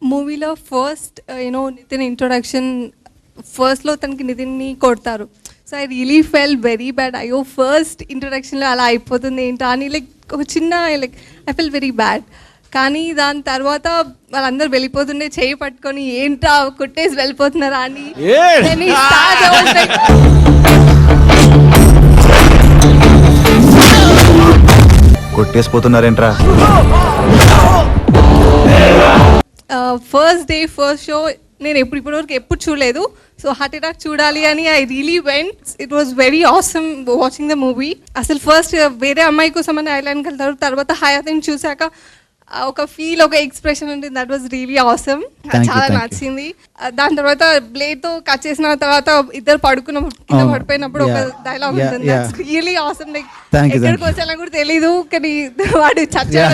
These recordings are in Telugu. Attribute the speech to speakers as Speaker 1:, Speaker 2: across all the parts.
Speaker 1: మూవీలో ఫస్ట్ నితిన్ ఇంట్రొడక్షన్ ఫస్ట్లో తనకి నితిన్ని కొడతారు. So I really fell very bad. అయ్యో ఫస్ట్ ఇంట్రొడక్షన్లో అలా అయిపోతుంది ఏంటా అని ఒక చిన్న ఐ ఫెల్ వెరీ బ్యాడ్. కానీ దాని తర్వాత వాళ్ళందరూ వెళ్ళిపోతుండే చేయి పట్టుకొని ఏంటా కొట్టేసి వెళ్ళిపోతున్నారా అని
Speaker 2: కొట్టేసిపోతున్నారేంట్రా.
Speaker 1: ఫస్ట్ డే ఫస్ట్ షో నేను ఇప్పటివరకు ఎప్పుడు చూడలేదు. సో హార్ట్ అటాక్ చూడాలి అని I really went. It was very awesome watching the movie. అసలు ఫస్ట్ వేరే అమ్మాయి కోసం అని ఐలాండ్కి వెళ్తారు, తర్వాత హయాతిని చూసాక ఒక ఫీల్, ఒక ఎక్స్ప్రెషన్ ఉంటుంది. That was really awesome. చాలా నచ్చింది. దాని తర్వాత బ్లేడ్ తో కట్ చేసిన తర్వాత ఇద్దరు పడిపోయినప్పుడు ఒక డైలాగ్ ఉంటుంది. That's really awesome. లైక్ ఎక్కడికి వచ్చానో కూడా తెలీదు, కానీ వాడు చచ్చాడు.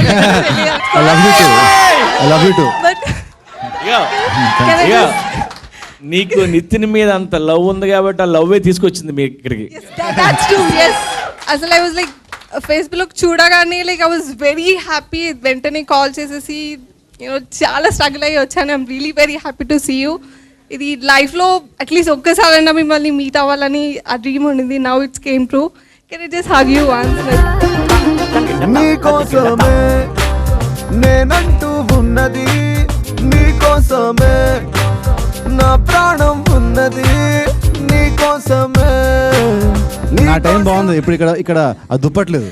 Speaker 3: నీకు నితిన్ మీద అంత లవ్ ఉంది కాబట్టి ఆ లవ్ తీసుకొచ్చింది మీ ఇక్కడికి.
Speaker 1: అసలు ఐ వాజ్ లైక్ ఫేస్బుక్ చూడగానే ఐ వాజ్ వెరీ హ్యాపీ. వెంటనే కాల్ చేసేసి చాలా స్ట్రగుల్ అయ్యి వచ్చాను. I'm really very happy to see you. ఇది లైఫ్లో అట్లీస్ట్ ఒక్కసారైనా మిమ్మల్ని మీట్ అవ్వాలని ఆ డ్రీమ్ ఉండింది. Now it's came true. Can I just hug you once?
Speaker 4: నీకోసమే నేనంటూ ఉన్నది, నీకోసమే నా ప్రాణం ఉన్నది, నీకోసమే.
Speaker 2: నా టైం బాగుంది. ఇప్పుడు ఇక్కడ అది దుప్పట్లేదు.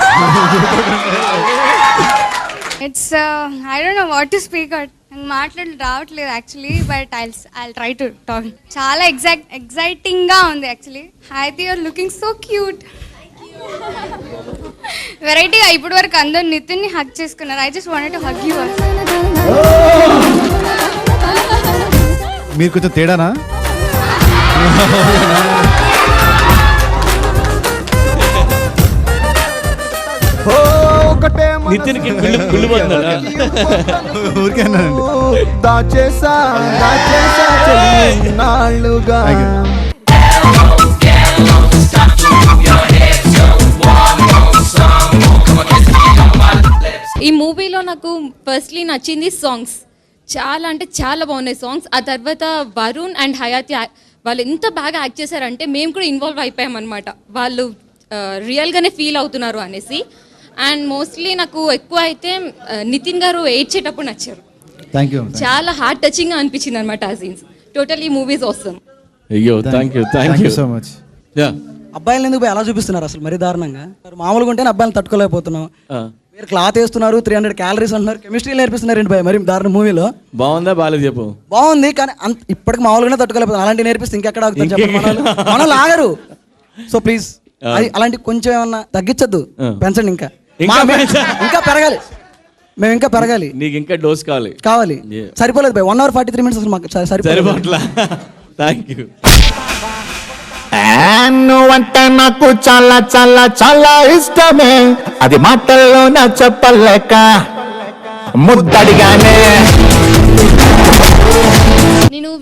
Speaker 5: It's I don't know what to speak out. మాట్లాడి రావట్లేదు actually, but I try to talk. చాలా ఎగ్జైటింగ్ గా ఉంది యాక్చువల్లీ. హైతి యూర్ లుకింగ్ సో క్యూట్. వెరైటీగా ఇప్పటి వరకు అందరు నితిన్ ని హగ్ చేసుకున్నారు. I just wanted to hug you.
Speaker 2: మీరు కొంచెం తేడానా?
Speaker 3: నితిన్ కి
Speaker 4: దాచేసా నాళ్ళుగా.
Speaker 6: ఈ మూవీలో నాకు ఫస్ట్లీ నచ్చింది సాంగ్స్. చాలా అంటే చాలా బాగున్నాయి సాంగ్స్. ఆ తర్వాత వరుణ్ అండ్ హయాతి వాళ్ళు ఎంత బాగా యాక్ట్ చేశారంటే మేము కూడా ఇన్వాల్వ్ అయిపోయాం అనమాట. వాళ్ళు రియల్గానే ఫీల్ అవుతున్నారు అనేసి. అండ్ మోస్ట్లీ నాకు ఎక్కువ అయితే నితిన్ గారు ఏడ్చేటప్పుడు నచ్చారు. చాలా హార్ట్ టచింగ్గా అనిపించింది అనమాట ఆ సీన్స్. టోటల్ ఈ మూవీస్ ఆసమ్.
Speaker 3: అయ్యో థ్యాంక్ యూ
Speaker 2: సో మచ్.
Speaker 7: అబ్బాయిలు ఎందుకు ఎలా చూపిస్తున్నారు అసలు మరీ దారుణంగా? మామూలుగా ఉంటే అబ్బాయిలు తట్టుకోలేకపోతున్నాం. మీరు క్లాత్ వేస్తున్నారు, 300 క్యాలరీస్ అంటున్నారు, కెమిస్ట్రీ నేర్పిస్తున్నారు ఏంటి భయ మరి దారుణ మూవీలో?
Speaker 3: బాగుందా బాగాలేదు చెప్పు.
Speaker 7: బాగుంది కానీ ఇప్పటికి మామూలుగానే తట్టుకోలేకపోతున్నాం. అలాంటి నేర్పిస్తే ఇంకెక్కడ ఆగుతాం చెప్పండి. మనం లాగరు. సో ప్లీజ్ అలాంటి కొంచెం ఏమన్నా తగ్గించద్దు, పెంచండి. ఇంకా పెరగాలి, మేము ఇంకా పెరగాలి.
Speaker 3: నీకు ఇంకా డోస్ కావాలి.
Speaker 7: సరిపోలేదు భయ. 1 hour 43 minutes అసలు మాకు సరిపోట్లా.
Speaker 3: Thank you.
Speaker 4: నువ్వంటే నాకు చాలా చాలా చాలా ఇష్టమే, అది మాటల్లో నా చెప్పలేక ముద్దడిగానే.
Speaker 6: నేను